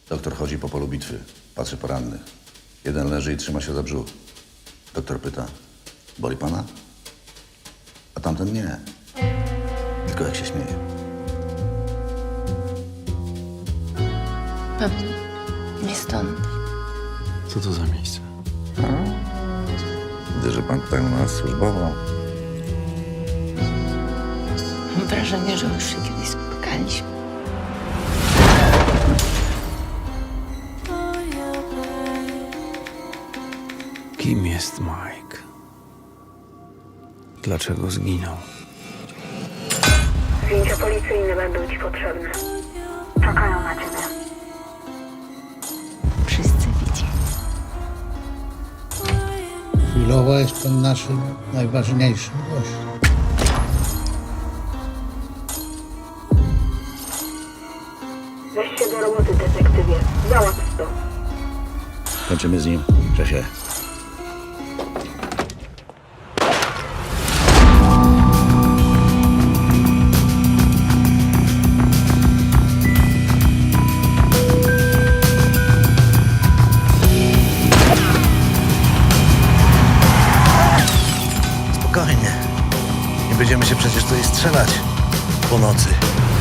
Doktor chodzi po polu bitwy, patrzy po rannych. Jeden leży i trzyma się za brzuch. Doktor pyta, boli pana? A tamten nie. Tylko jak się śmieje. Pan nie stąd. Co to za miejsce? Widzę, że pan tutaj u nas służbowo. Mam wrażenie, że już się kiedyś spotkaliśmy. Kim jest Mike? Dlaczego zginął? Zdjęcia policyjne będą ci potrzebne. Czekają na ciebie. Wszyscy widzieli. Chwilowo jest pan naszym najważniejszym gościem. Weź się do roboty, detektywie. Załatw to. Kończymy z nim, szefie. Spokojnie. Nie będziemy się przecież tutaj strzelać po nocy.